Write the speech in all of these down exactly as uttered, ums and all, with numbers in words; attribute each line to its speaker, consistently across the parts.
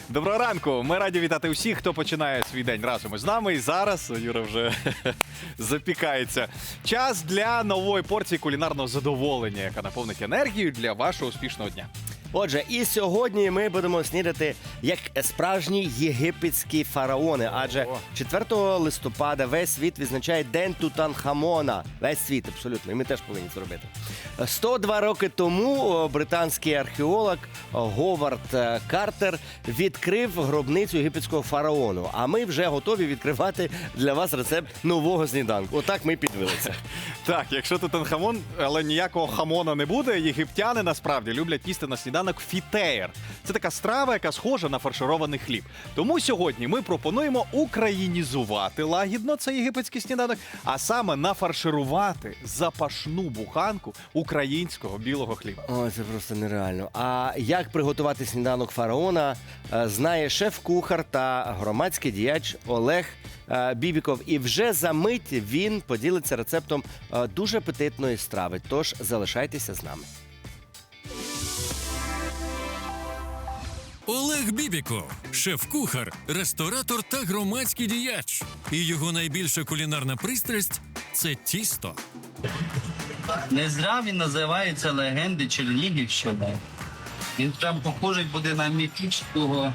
Speaker 1: Доброго ранку! Ми раді вітати усіх, хто починає свій день разом із нами. І зараз Юра вже запікається. Час для нової порції кулінарного задоволення, яка наповнить енергію для вашого успішного дня.
Speaker 2: Отже, і сьогодні ми будемо снідати як справжні єгипетські фараони. Адже
Speaker 1: О.
Speaker 2: четвертого листопада весь світ відзначає День Тутанхамона. Весь світ, абсолютно. І ми теж повинні це робити. сто два роки тому о, британський археолог о, Говард е, Картер відкрив гробницю єгипетського фараону. А ми вже готові відкривати для вас рецепт нового сніданку. Отак ми підвелися.
Speaker 1: Так, якщо Тутанхамон, але ніякого хамона не буде, єгиптяни насправді люблять їсти на сніданок фітеєр. Це така страва, яка схожа на фарширований хліб. Тому сьогодні ми пропонуємо українізувати лагідно цей єгипетський сніданок, а саме нафарширувати запашну буханку українського білого хліба.
Speaker 2: Ой, це просто нереально. А як приготувати сніданок фараона, е, знає шеф-кухар та громадський діяч Олег е, Бібіков. І вже за мить він поділиться рецептом е, дуже апетитної страви. Тож залишайтеся з нами.
Speaker 3: Олег Бібіков – шеф-кухар, ресторатор та громадський діяч. І його найбільша кулінарна пристрасть – це тісто.
Speaker 4: Не зря він називається легенди Чернігівщини. Він прям похожий буде на міфічного.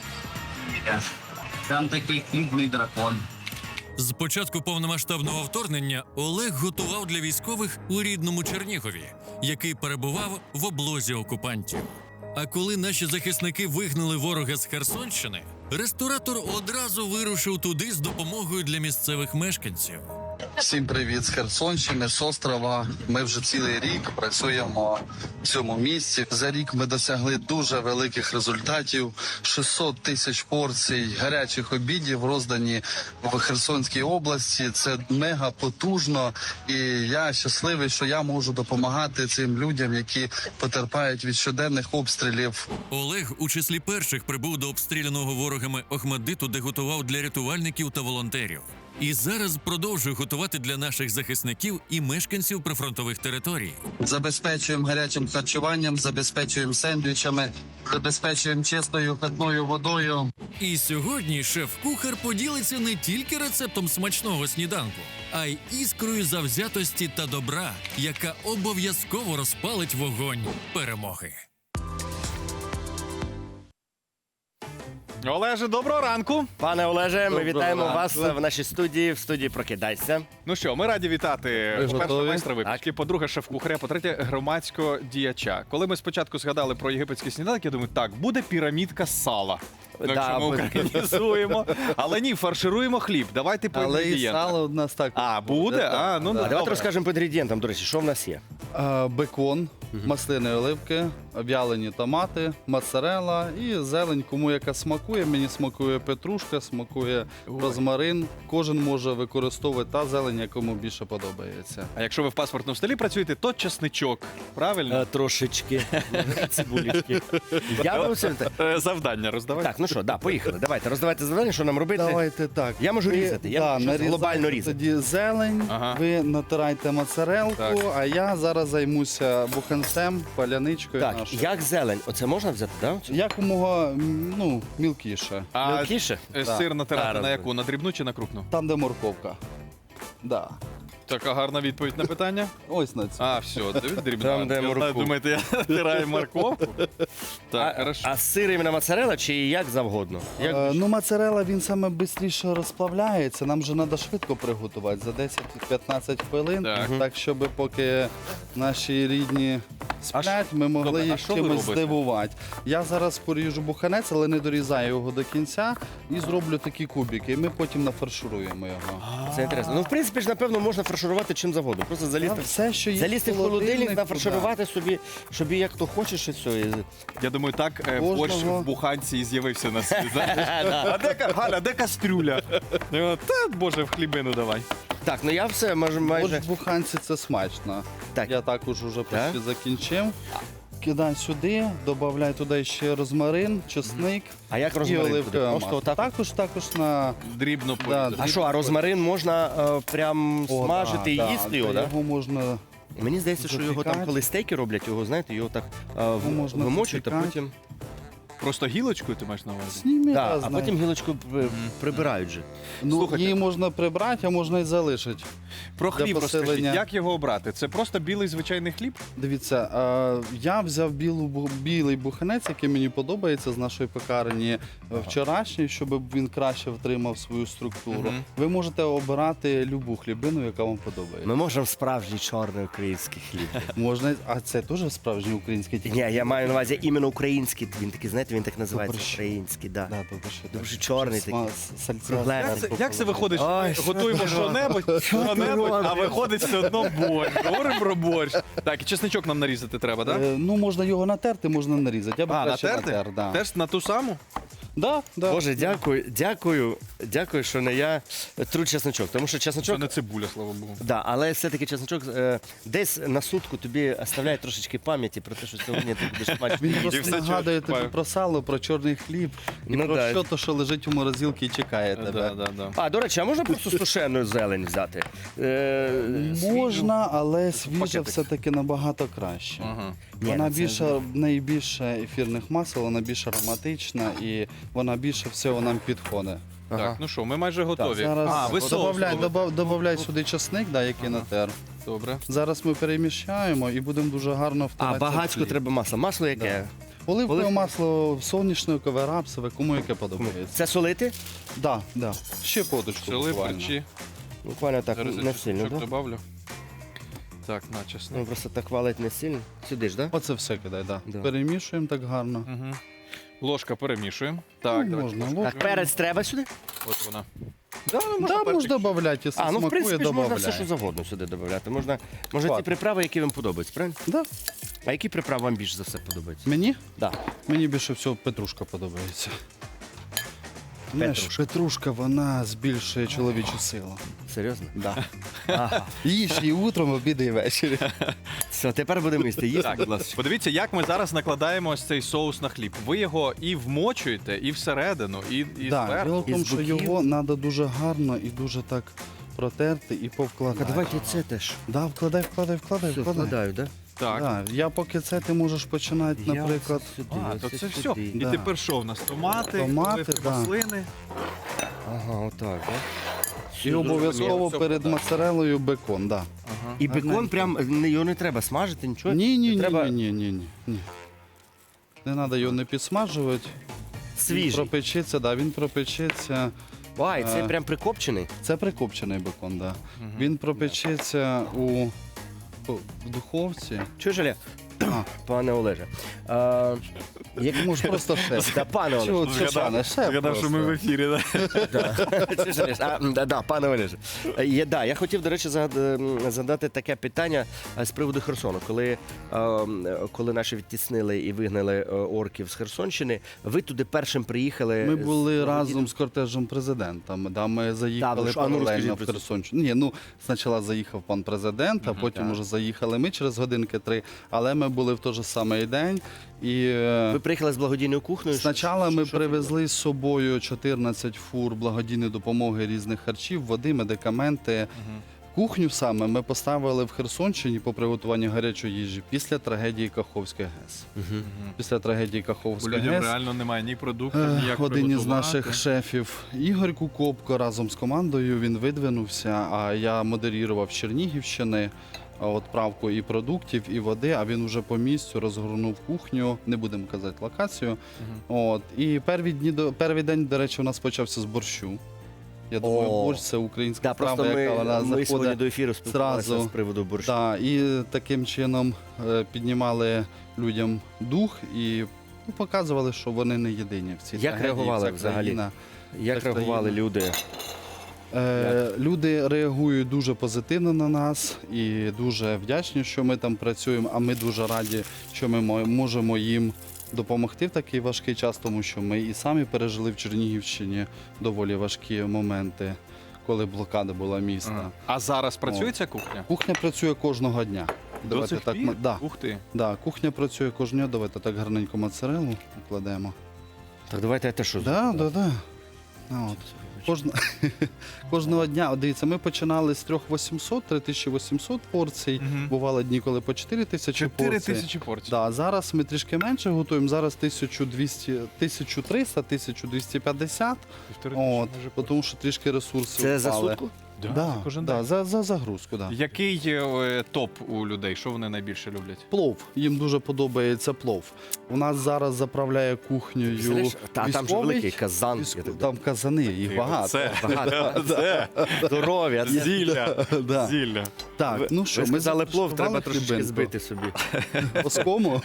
Speaker 4: Там такий хлібний дракон.
Speaker 3: З початку повномасштабного вторгнення Олег готував для військових у рідному Чернігові, який перебував в облозі окупантів. А коли наші захисники вигнали ворога з Херсонщини, ресторатор одразу вирушив туди з допомогою для місцевих мешканців.
Speaker 5: Всім привіт з Херсонщини, з острова. Ми вже цілий рік працюємо в цьому місці. За рік ми досягли дуже великих результатів. шістсот тисяч порцій гарячих обідів роздані в Херсонській області. Це мега потужно. І я щасливий, що я можу допомагати цим людям, які потерпають від щоденних обстрілів.
Speaker 3: Олег у числі перших прибув до обстріляного ворогами Охмаддиту, де готував для рятувальників та волонтерів. І зараз продовжує готувати для наших захисників і мешканців прифронтових територій.
Speaker 5: Забезпечуємо гарячим харчуванням, забезпечуємо сендвічами, забезпечуємо чистою питною водою.
Speaker 3: І сьогодні шеф-кухар поділиться не тільки рецептом смачного сніданку, а й іскрою завзятості та добра, яка обов'язково розпалить вогонь перемоги.
Speaker 1: Олеже, доброго ранку!
Speaker 2: Пане Олеже, ми
Speaker 5: Доброго
Speaker 2: вітаємо
Speaker 5: ранку.
Speaker 2: вас в нашій студії, в студії «Прокидайся».
Speaker 1: Ну що, ми раді вітати, по-перше,
Speaker 5: готові?
Speaker 1: майстра випічки, по-друге, шеф-кухаря, по-третє, громадського діяча. Коли ми спочатку згадали про єгипетський сніданок, я думаю, так, буде пірамідка з сала. Ну,
Speaker 2: Да,
Speaker 1: якщо ми
Speaker 2: буде.
Speaker 1: українізуємо. Але ні, фаршируємо хліб. Давайте по
Speaker 6: Але і
Speaker 1: інгредієнтах.
Speaker 6: сало у нас так.
Speaker 1: А, буде? А, ну,
Speaker 2: А
Speaker 1: добре.
Speaker 2: давайте розкажемо по інгредієнтам, до речі, що в нас є.
Speaker 6: Е, Бекон, маслини оливки, в'ялені томати, моцарелла і зелень, кому яка смакує. Мені смакує петрушка, смакує розмарин. Кожен може використовувати та зелень, якому більше подобається.
Speaker 1: А якщо ви в паспортному столі працюєте, то часничок. Правильно?
Speaker 2: Е, Трошечки цибулечки. Я вам все-
Speaker 1: Е, Завдання роздавай.
Speaker 2: Так, ну що, да, поїхали. Давайте, роздавайте завдання, що нам робити.
Speaker 6: Давайте так.
Speaker 2: Я можу
Speaker 6: Ви,
Speaker 2: різати, я
Speaker 6: да,
Speaker 2: можу
Speaker 6: нарізайте
Speaker 2: глобально різати.
Speaker 6: Тоді зелень,
Speaker 1: Ага.
Speaker 6: ви натирайте моцарелку,
Speaker 1: Так.
Speaker 6: а я зараз займуся буханцем, паляничкою
Speaker 2: Так,
Speaker 6: нашою.
Speaker 2: як зелень? Оце можна взяти, так? Да?
Speaker 6: Якомога м, ну, мілкіше.
Speaker 1: А
Speaker 2: Мілкіше?
Speaker 1: е,
Speaker 6: Так.
Speaker 1: сир натирати
Speaker 2: Так,
Speaker 1: на яку? На дрібну чи на крупну?
Speaker 6: Там, де морковка. Да.
Speaker 1: Така гарна відповідь на питання.
Speaker 6: Ось на цю.
Speaker 1: А, все, дивись, дрібна.
Speaker 2: Там, де
Speaker 1: Я знаю,
Speaker 2: моркву.
Speaker 1: думаєте, я натираю морковку? Так,
Speaker 2: А,
Speaker 1: хорошо.
Speaker 2: а сир іменно моцарелла чи як завгодно? Як...
Speaker 6: Е, ну, моцарелла, він саме швидше розплавляється. Нам же треба швидко приготувати за десять-п'ятнадцять хвилин.
Speaker 1: Так.
Speaker 6: Так, щоб поки наші рідні сплять, ми могли
Speaker 1: Добре, а
Speaker 6: їх
Speaker 1: що ви
Speaker 6: чимось
Speaker 1: робите?
Speaker 6: здивувати. Я зараз поріжу буханець, але не дорізаю його до кінця і зроблю такі кубики. І ми потім нафаршируємо його.
Speaker 2: Це інтересно. Ну, в принципі ж, напевно, можна фарширувати чим завгодно. Просто
Speaker 6: Та
Speaker 2: залізти,
Speaker 6: все, що є
Speaker 2: залізти в холодильник,
Speaker 6: холодильнику,
Speaker 2: нафарширувати собі, собі як то хочеш і все. І-
Speaker 1: Я думаю, так е,
Speaker 6: Кожного-
Speaker 1: борщ в буханці і з'явився на світ. знаєш? А де, ка- Галя, де кастрюля? І вона, Та, боже, в хлібину давай.
Speaker 2: Так, ну я все майже... майже...
Speaker 6: Борщ в буханці це смачно.
Speaker 2: Так.
Speaker 6: Я також вже
Speaker 2: Так?
Speaker 6: почти закінчив. Кидай сюди, додай туди ще розмарин, чесник
Speaker 2: А як
Speaker 6: і
Speaker 2: розмарин туди?
Speaker 6: оливкове
Speaker 2: Просто
Speaker 6: масло.
Speaker 2: отак?
Speaker 6: Також, також на...
Speaker 1: Дрібно
Speaker 6: Да,
Speaker 1: порізати.
Speaker 2: А що, а розмарин можна е, прям
Speaker 6: О,
Speaker 2: смажити
Speaker 6: да,
Speaker 2: і
Speaker 6: да,
Speaker 2: їсти
Speaker 6: да,
Speaker 2: його, так?
Speaker 6: Його можна
Speaker 2: Мені здається, що його там,
Speaker 6: запікати.
Speaker 2: коли стейки роблять, його, знаєте, його так е, в-
Speaker 6: можна
Speaker 2: вимочують, а
Speaker 6: запікати.
Speaker 2: потім...
Speaker 1: Просто гілочкою ти маєш на увазі?
Speaker 6: Зніми,
Speaker 2: Да,
Speaker 6: раз,
Speaker 2: а
Speaker 6: знаю.
Speaker 2: потім гілочку при- прибирають же.
Speaker 6: Ну,
Speaker 1: Слухайте.
Speaker 6: її можна прибрати, а можна і залишити.
Speaker 1: Про
Speaker 6: Для
Speaker 1: хліб розкажіть,
Speaker 6: посилення.
Speaker 1: як його обрати? Це просто білий звичайний хліб?
Speaker 6: Дивіться, е, я взяв білу, бу- білий буханець, який мені подобається з нашої пекарні е, вчорашній, щоб він краще втримав свою структуру.
Speaker 1: Мгм.
Speaker 6: Ви можете обирати любу хлібину, яка вам подобається.
Speaker 2: Ми можемо справжній чорний український хліб.
Speaker 6: Можна, а це теж справжній український
Speaker 2: Ні, я маю на увазі іменно український. Він такий, знаєте, він так називається.
Speaker 6: Добре, що-
Speaker 2: Український, да.
Speaker 6: Да, добре, що
Speaker 2: Дуже
Speaker 6: так.
Speaker 2: чорний
Speaker 6: Що
Speaker 2: такий.
Speaker 6: сма- сальця-
Speaker 2: Кругленький.
Speaker 1: Як це, як це виходить?
Speaker 2: Ой,
Speaker 1: що
Speaker 2: що
Speaker 1: готуємо
Speaker 2: ти
Speaker 1: що-небудь, що-небудь, а
Speaker 2: робиш?
Speaker 1: виходить все одно борщ. Говоримо про борщ. Так, і чесничок нам нарізати треба, так?
Speaker 6: Е, Ну, можна його натерти, можна нарізати. Я б
Speaker 1: А,
Speaker 6: краще
Speaker 1: натерти?
Speaker 6: натер, да.
Speaker 1: Теж на ту саму?
Speaker 6: Да, да.
Speaker 2: Боже, дякую, дякую, дякую, що не я тру чесночок. Тому що
Speaker 1: Це
Speaker 2: чесночок,
Speaker 1: не цибуля, слава Богу.
Speaker 2: да, але все-таки чесночок е, десь на сутку тобі оставляє трошечки пам'яті про те, що сьогодні ти будеш мати.
Speaker 6: Він
Speaker 1: І
Speaker 6: просто
Speaker 1: все
Speaker 6: нагадує
Speaker 1: чую,
Speaker 6: тобі про сало, про чорний хліб і
Speaker 2: Ну
Speaker 6: про
Speaker 2: да.
Speaker 6: що то, що лежить у морозилці і чекає тебе.
Speaker 1: Да, да, да.
Speaker 2: А, до речі, а можна просто сушену зелень взяти? Е,
Speaker 6: Можна, але свіжа
Speaker 1: пакетик.
Speaker 6: все-таки набагато краще.
Speaker 1: Ага.
Speaker 2: Ні,
Speaker 6: Вона
Speaker 2: ну це-
Speaker 6: більше, в неї більше ефірних масел, вона більш ароматична і вона більше всього нам підходить.
Speaker 2: Ага.
Speaker 1: Так, ну що, ми майже готові.
Speaker 6: Зараз
Speaker 1: а, ви соус
Speaker 6: добавляй,
Speaker 1: робите?
Speaker 6: добав, добавляй сюди часник, да, який натер.
Speaker 1: Добре.
Speaker 6: Зараз ми переміщаємо і будемо дуже гарно
Speaker 2: А,
Speaker 6: втирати.
Speaker 2: багацько треба масла. Масло яке?
Speaker 6: Оливкове
Speaker 2: Оливкове.
Speaker 6: масло соняшникове, рапсове, кому яке подобається.
Speaker 2: Це солити?
Speaker 6: Да, да. Ще поточку
Speaker 1: Пчели,
Speaker 6: буквально.
Speaker 1: перчі.
Speaker 2: Буквально так,
Speaker 1: Зараз я
Speaker 2: не сильно,
Speaker 1: чесничок
Speaker 2: так?
Speaker 1: добавлю. Так, на чесник.
Speaker 2: Ну, просто так валить не сильно. Сюди ж, так?
Speaker 6: Оце все кидай, да.
Speaker 2: Да.
Speaker 6: Перемішуємо так гарно.
Speaker 1: Угу. Ложка перемішуємо. Так,
Speaker 6: Ну,
Speaker 1: давайте
Speaker 6: можна,
Speaker 1: ложку.
Speaker 6: ложку.
Speaker 2: Так, перець треба сюди?
Speaker 1: От вона.
Speaker 6: Да, можна додати, якщо
Speaker 2: А, ну в
Speaker 6: смакує,
Speaker 2: принципі ж можна все,
Speaker 6: додавай.
Speaker 2: що завгодно сюди додати. Можна, може ті
Speaker 6: Ладно.
Speaker 2: приправи, які вам подобаються, правильно?
Speaker 6: Да.
Speaker 2: А які приправи вам більше за все подобаються?
Speaker 6: Мені?
Speaker 2: Да.
Speaker 6: Мені більше всього петрушка подобається. Знаєш,
Speaker 2: Петрушка.
Speaker 6: петрушка, вона збільшує чоловічу силу.
Speaker 2: Серйозно?
Speaker 6: Да.
Speaker 2: Ага.
Speaker 6: Їж і утром, обіди і ввечері.
Speaker 2: Все, тепер будемо їсти. Їсти, будь ласка.
Speaker 1: Подивіться, як ми зараз накладаємо ось цей соус на хліб. Ви його і вмочуєте, і всередину, і, і
Speaker 6: Да,
Speaker 1: зверху.
Speaker 6: діло в тому,
Speaker 2: Із
Speaker 6: що
Speaker 2: боків.
Speaker 6: його треба дуже гарно і дуже так протерти і
Speaker 2: А
Speaker 6: повкладати.
Speaker 2: давайте це теж.
Speaker 6: Да, вкладай, вкладай, вкладай,
Speaker 2: Все,
Speaker 6: вкладай.
Speaker 2: вкладаю, так?
Speaker 1: Так.
Speaker 6: Да, я поки це ти можеш починати,
Speaker 2: Я
Speaker 6: наприклад.
Speaker 2: оце сюди,
Speaker 1: А,
Speaker 2: оце
Speaker 1: то це все.
Speaker 2: сюди.
Speaker 1: І
Speaker 6: Да.
Speaker 1: тепер що в нас? Томати,
Speaker 6: Томати,
Speaker 1: оливки,
Speaker 6: да.
Speaker 1: маслини.
Speaker 2: Ага, отак, так?
Speaker 6: І обов'язково
Speaker 1: Все
Speaker 6: перед
Speaker 1: вкладаю.
Speaker 6: моцарелою бекон, да.
Speaker 1: Ага.
Speaker 2: І бекон
Speaker 6: Гарненько.
Speaker 2: прям, не- його не треба смажити, нічого?
Speaker 6: Ні, ні, ні,
Speaker 2: Треба
Speaker 6: ні, ні, ні, ні. Не треба його не підсмажувати. Він
Speaker 2: свіжий.
Speaker 6: пропечеться, да, він пропечеться.
Speaker 2: Ай, це
Speaker 6: Е.
Speaker 2: прям прикопчений?
Speaker 6: Це прикопчений бекон, да. Він пропечеться у в духовці.
Speaker 2: Чуєш, Оля?
Speaker 6: А,
Speaker 2: Пане Олеже. А, як...
Speaker 6: може просто шеф.
Speaker 2: Да, пане Олеже.
Speaker 6: Чого це пане? Шеф
Speaker 1: Згадав, що ми в
Speaker 6: просто.
Speaker 1: ефірі. Да?
Speaker 2: Чи ж, Олеж? А, да, да, пане Олеже. Е, Я, да, я хотів, до речі, загад- м, задати таке питання е, з приводу Херсону. Коли, е, м, коли наші відтіснили і вигнали е, орків з Херсонщини, ви туди першим приїхали.
Speaker 6: Ми
Speaker 2: з
Speaker 6: були
Speaker 2: благодійним-
Speaker 6: разом з кортежем президента. Да, ми заїхали
Speaker 2: ви ж- а ну,
Speaker 6: паралельно
Speaker 2: розкажіть
Speaker 6: в
Speaker 2: про це.
Speaker 6: Херсонщину. Ні, ну спочатку заїхав пан президент, а потім
Speaker 2: так.
Speaker 6: вже заїхали ми через годинки три. Але ми були в той же самий день. І е,
Speaker 2: Ви приїхали з благодійною кухнею?
Speaker 6: спочатку ми
Speaker 2: Що- що
Speaker 6: привезли з собою чотирнадцять фур благодійної допомоги різних харчів, води, медикаменти. Кухню саме ми поставили в Херсонщині по приготуванню гарячої їжі після трагедії Каховської ГЕС.
Speaker 2: Мгм.
Speaker 6: Після трагедії
Speaker 1: Бо
Speaker 6: Каховської
Speaker 1: людям
Speaker 6: ГЕС
Speaker 1: реально немає ні продуктів,
Speaker 6: Е,
Speaker 1: ніяк
Speaker 6: один із
Speaker 1: приготувати.
Speaker 6: наших шефів Ігор Кукопко разом з командою він видвинувся, а я модерував з Чернігівщини а, відправку і продуктів, і води, а він вже по місцю розгорнув кухню, не будемо казати локацію. От. І перші дні, до- перший день, до речі, у нас почався з борщу. Я думаю,
Speaker 2: О.
Speaker 6: борщ це українська
Speaker 2: Да, просто
Speaker 6: страва, яка вона
Speaker 2: ми, ми сьогодні
Speaker 6: заходить.
Speaker 2: до ефіру спілкувалися
Speaker 6: зразу.
Speaker 2: з приводу борщу.
Speaker 6: Да, і таким чином е, піднімали людям дух і ну, показували, що вони не єдині в цій
Speaker 2: Як
Speaker 6: трагедії,
Speaker 2: реагували
Speaker 6: ця
Speaker 2: взагалі?
Speaker 6: країна.
Speaker 2: Як
Speaker 6: Так,
Speaker 2: реагували
Speaker 6: країна.
Speaker 2: люди?
Speaker 6: Е, люди реагують дуже позитивно на нас і дуже вдячні, що ми там працюємо. А ми дуже раді, що ми мо- можемо їм допомогти в такий важкий час, тому що ми і самі пережили в Чернігівщині доволі важкі моменти, коли блокада була міста.
Speaker 1: Ага. А зараз працює ця кухня?
Speaker 6: Кухня працює кожного дня.
Speaker 1: До цих
Speaker 6: так,
Speaker 1: пір?
Speaker 6: ма- да,
Speaker 1: Ух ти.
Speaker 6: да, кухня працює кожного дня. Давайте так гарненько моцарелу покладемо.
Speaker 2: Так давайте я те, що
Speaker 6: Да, да, да. А, от.
Speaker 2: звичайно.
Speaker 6: Кожна... Кожного дня, от дивіться, ми починали з трьох тисяч вісімсот, три тисячі вісімсот порцій.
Speaker 1: Мгм.
Speaker 6: Бували дні, коли по чотири тисячі
Speaker 1: Чотири
Speaker 6: порцій.
Speaker 1: тисячі порцій.
Speaker 6: Да, зараз ми трішки менше готуємо. Зараз тисячу двісті, тисячу триста, тисячу двісті п'ятдесят.
Speaker 1: Півтори тисячі
Speaker 6: От,
Speaker 1: майже
Speaker 6: тому що трішки ресурсів
Speaker 2: Це за
Speaker 6: впали.
Speaker 2: сутку?
Speaker 1: Да,
Speaker 6: Да,
Speaker 1: кожен
Speaker 6: да,
Speaker 1: день.
Speaker 6: за, за загрузку, да.
Speaker 1: Який е, топ у людей? Що вони найбільше люблять?
Speaker 6: Плов. Їм дуже подобається плов. У нас зараз заправляє кухнею
Speaker 2: Представляєш? Та там же
Speaker 6: військовий.
Speaker 2: великий казан.
Speaker 6: Військо-
Speaker 2: я так
Speaker 6: Там казани, їх багато.
Speaker 1: Це,
Speaker 2: Багато.
Speaker 1: це
Speaker 2: Здоров'я. це-
Speaker 1: зілля.
Speaker 6: Да.
Speaker 1: Зілля.
Speaker 6: Так,
Speaker 2: Ви-
Speaker 6: ну що,
Speaker 2: ви
Speaker 6: ми
Speaker 2: сказали плов, треба
Speaker 6: започаткували
Speaker 2: трошечки
Speaker 6: хлібинку.
Speaker 2: збити собі.
Speaker 6: Оскому.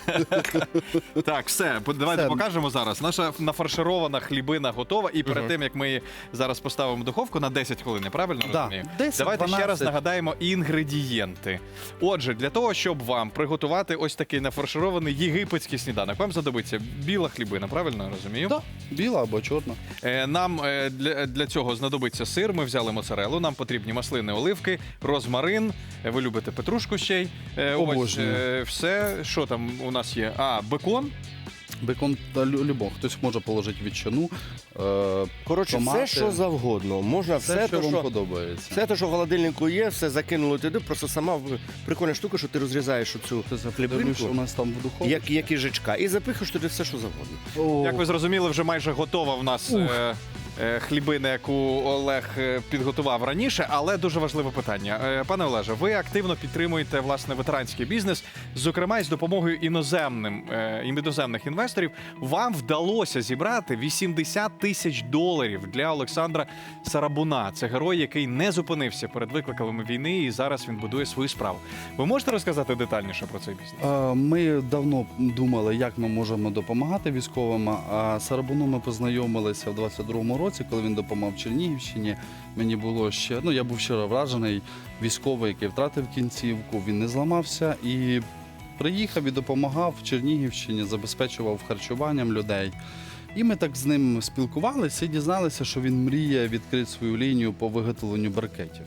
Speaker 1: Так, все, по- давайте
Speaker 6: Все.
Speaker 1: покажемо зараз. Наша нафарширована хлібина готова. І перед тим, як ми її зараз поставимо в духовку на десять хвилин, я правильно
Speaker 6: Да,
Speaker 1: розумію?
Speaker 6: десять,
Speaker 1: Давайте ще раз
Speaker 6: дванадцять.
Speaker 1: нагадаємо інгредієнти. Отже, для того, щоб вам приготувати ось такий нафарширований єгипетський сніданок, вам знадобиться біла хлібина, правильно я розумію?
Speaker 6: Да, біла або чорна.
Speaker 1: Е, Нам е, для, для цього знадобиться сир. Ми взяли моцарелу. Нам потрібні маслини, оливки, розмарин. Е, Ви любите петрушку ще й. Е, Ось
Speaker 6: Обожнюю.
Speaker 1: е, все. Що там у нас є? А, бекон.
Speaker 6: Бекон та лю- любов. Хтось може положити ветчину. Е,
Speaker 2: Коротше,
Speaker 6: Томати.
Speaker 2: все, що завгодно. Можна
Speaker 6: все,
Speaker 2: все,
Speaker 6: що
Speaker 2: то,
Speaker 6: вам
Speaker 2: що...
Speaker 6: подобається.
Speaker 2: Все те, що в холодильнику є, все закинули туди. Просто сама в- прикольна штука, що ти розрізаєш оцю
Speaker 6: Це подивлюсь,
Speaker 2: хлібинку,
Speaker 6: що у нас там в духовці.
Speaker 2: як, як їжачка, і запихаєш туди все, що завгодно.
Speaker 6: О,
Speaker 1: Як ви зрозуміли, вже майже готова в нас е, е, хлібина, яку Олег е, підготував раніше. Але дуже важливе питання. Е, Пане Олеже, ви активно підтримуєте власне ветеранський бізнес, зокрема із допомогою іноземним е, іноземних інвесторів. Вам вдалося зібрати вісімдесят тисяч доларів для Олександра Сарабуна. Це герой, який не зупинився перед викликами війни, і зараз він будує свою справу. Ви можете розказати детальніше про цей бізнес?
Speaker 6: Е, Ми давно думали, як ми можемо допомагати військовим. А з Сарабуном ми познайомилися в двадцять другому році, коли він допомагав Чернігівщині. Мені було ще, ну я був щиро вражений. Військовий, який втратив кінцівку, він не зламався і приїхав і допомагав Чернігівщині, забезпечував харчуванням людей. І ми так з ним спілкувалися і дізналися, що він мріє відкрити свою лінію по виготовленню брикетів.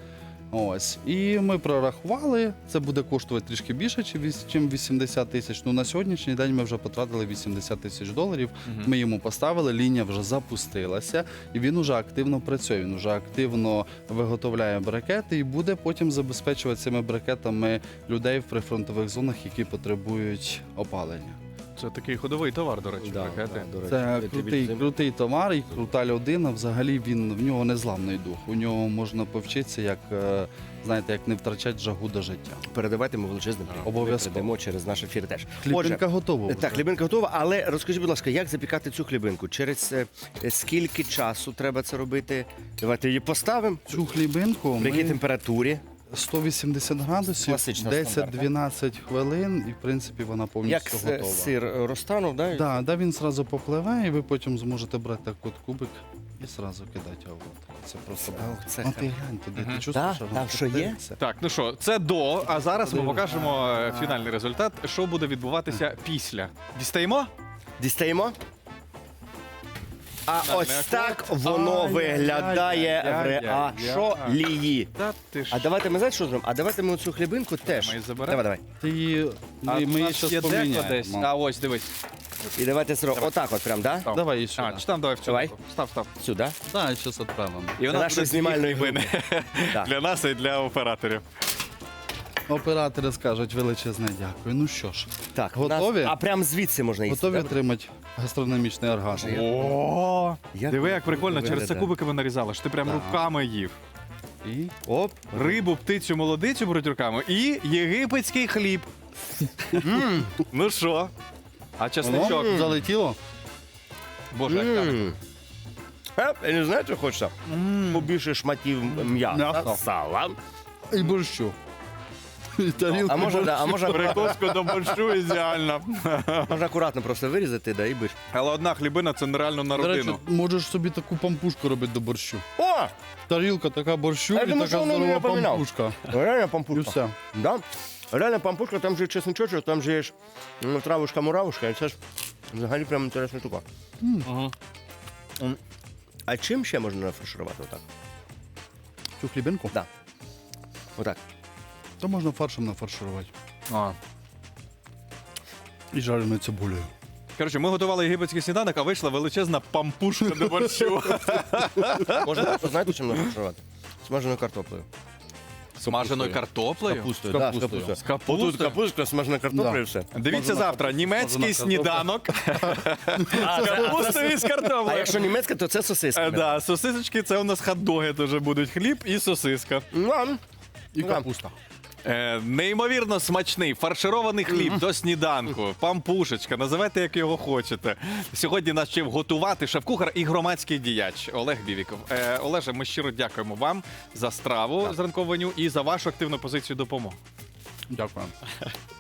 Speaker 6: Ось. І ми прорахували, це буде коштувати трішки більше, ніж вісімдесят тисяч. Ну, на сьогоднішній день ми вже потратили вісімдесят тисяч доларів. Ми йому поставили, лінія вже запустилася, і він вже активно працює. Він вже активно виготовляє брикети і буде потім забезпечувати цими брикетами людей в прифронтових зонах, які потребують опалення.
Speaker 1: Це такий ходовий товар, до речі, брикети.
Speaker 2: до речі.
Speaker 6: Це
Speaker 2: Я тобі
Speaker 6: крутий,
Speaker 2: цим-
Speaker 6: крутий товар і крута людина. Взагалі він в нього незламний дух. У нього можна повчитися, як е, знаєте, як не втрачати жагу до життя.
Speaker 2: Передавайте йому величезний привіт.
Speaker 6: Обов'язково.
Speaker 2: Передамо через наш ефір теж.
Speaker 6: Хлібинка готова.
Speaker 2: Так, хлібинка готова, але розкажіть, будь ласка, як запікати цю хлібинку? Через е, скільки часу треба це робити? Давайте її поставимо.
Speaker 6: Цю хлібинку
Speaker 2: При якій
Speaker 6: ми
Speaker 2: температурі?
Speaker 6: сто вісімдесят градусів,
Speaker 2: Класична
Speaker 6: десять-дванадцять хвилин, і в принципі вона
Speaker 2: Як
Speaker 6: повністю
Speaker 2: е,
Speaker 6: готова.
Speaker 2: сир розтанув, да?
Speaker 6: Да, да, він зразу попливе, і ви потім зможете брати так от кубик і зразу кидати. А от. Це просто.
Speaker 2: Ох, це
Speaker 6: А ти глянь туди, ти чувствуєш?
Speaker 2: Да?
Speaker 6: що
Speaker 2: Там
Speaker 6: воно
Speaker 2: що є?
Speaker 6: коптиться?
Speaker 1: Так, ну що, це до, а зараз ми
Speaker 6: Подивимось.
Speaker 1: покажемо е, фінальний результат, що буде відбуватися після. Дістаємо?
Speaker 2: Дістаємо? А
Speaker 1: Так,
Speaker 2: ось
Speaker 1: не
Speaker 2: так воно
Speaker 1: Ай-яй-яй-яй-яй-яй.
Speaker 2: виглядає в реашолії.
Speaker 1: Та ти ж.
Speaker 2: А давайте ми знаєте, що зробимо? А давайте ми цю хлібинку теж.
Speaker 1: Ми її заберемо?
Speaker 2: Давай, давай.
Speaker 6: Ти її,
Speaker 1: А
Speaker 6: ми,
Speaker 1: у
Speaker 6: ми її
Speaker 1: нас
Speaker 6: щас
Speaker 1: є деко десь.
Speaker 6: поміняємо.
Speaker 1: А ось дивись.
Speaker 2: І давайте зробимо. Отак от прям, да?
Speaker 1: Став.
Speaker 6: Давай її сюди.
Speaker 1: А, чи там давай в цю.
Speaker 2: Давай.
Speaker 1: руку. Став, став.
Speaker 2: Сюди.
Speaker 6: Так, зараз відправимо.
Speaker 1: І у
Speaker 2: Для
Speaker 1: нас
Speaker 2: нашої
Speaker 1: буде дві
Speaker 2: знімальної
Speaker 1: хлібини.
Speaker 2: Так.
Speaker 1: Для нас і для операторів.
Speaker 6: Оператори скажуть величезне дякую. Ну що ж,
Speaker 2: Так, у нас-
Speaker 6: Готові?
Speaker 2: А прям звідси можна їсти.
Speaker 6: готові
Speaker 2: да?
Speaker 6: отримати гастрономічний оргазм?
Speaker 1: О,
Speaker 2: Як
Speaker 1: диви, як прикольно, через це
Speaker 2: виглядає?
Speaker 1: кубиками нарізали, що ти прям
Speaker 6: Так.
Speaker 1: руками їв.
Speaker 6: І
Speaker 2: Оп.
Speaker 1: Рибу, птицю, молодицю беруть руками і єгипетський хліб. Ну що? А чесничок?
Speaker 6: воно залетіло.
Speaker 1: Боже, як так.
Speaker 2: М. Е, Я не знаю, що хочеться. Побільше шматів м'яса,
Speaker 6: М'яса.
Speaker 2: сала.
Speaker 6: І борщу. І тарілку
Speaker 2: А може, да, а може,
Speaker 1: Прикуску до борщу ідеально.
Speaker 2: можна акуратно просто вирізати, да, і биш.
Speaker 1: Але одна хлібина це нереально на
Speaker 6: До речі,
Speaker 1: родину.
Speaker 6: можеш собі таку пампушку робити до борщу.
Speaker 2: О!
Speaker 6: Тарілка така борщу
Speaker 2: Я
Speaker 6: і
Speaker 2: думаю,
Speaker 6: така
Speaker 2: що воно
Speaker 6: здорова
Speaker 2: мені напоминав.
Speaker 6: пампушка.
Speaker 2: Реально
Speaker 6: І
Speaker 2: пампушка.
Speaker 6: все.
Speaker 2: Да? Реально пампушка, там же є чесничочок, там же є ж, ну, травушка-муравушка, і це ж взагалі прям інтересна штука.
Speaker 1: Мгм.
Speaker 2: А чим ще можна нафарширувати отак?
Speaker 6: Цю хлібинку?
Speaker 2: Да. Отак.
Speaker 6: То можна фаршем нафарширувати.
Speaker 1: А.
Speaker 6: І жареною цибулею.
Speaker 1: Коротше, ми готували єгипетський сніданок, а вийшла величезна пампушка до борщу.
Speaker 2: Можна, знаєте, чим нафаршувати? Смаженою картоплею.
Speaker 1: Смаженою картоплею?
Speaker 6: Капустою.
Speaker 2: Да,
Speaker 6: Капустою.
Speaker 2: з капустою.
Speaker 1: З капустою?
Speaker 2: Отут капустка, смажена картопля
Speaker 6: Да.
Speaker 2: і все.
Speaker 1: Дивіться
Speaker 6: Смажена
Speaker 1: завтра.
Speaker 6: картопля.
Speaker 1: Німецький
Speaker 6: Смажена картопля.
Speaker 1: сніданок. З капустою і з
Speaker 2: А
Speaker 1: картоплею.
Speaker 2: якщо німецька, то це сосиска.
Speaker 1: Е, Да, сосисочки, це у нас хот-доги теж будуть. Хліб і сосиска.
Speaker 2: Ну,
Speaker 6: І
Speaker 2: Да.
Speaker 6: капуста.
Speaker 1: Е, неймовірно смачний фарширований хліб до сніданку, пампушечка, називайте як його хочете. Сьогодні нас вчив готувати шеф-кухар і громадський діяч Олег Бівіков. Е, Олеже, ми щиро дякуємо вам за страву з ранкового меню і за вашу активну позицію допомоги.
Speaker 6: Дякую.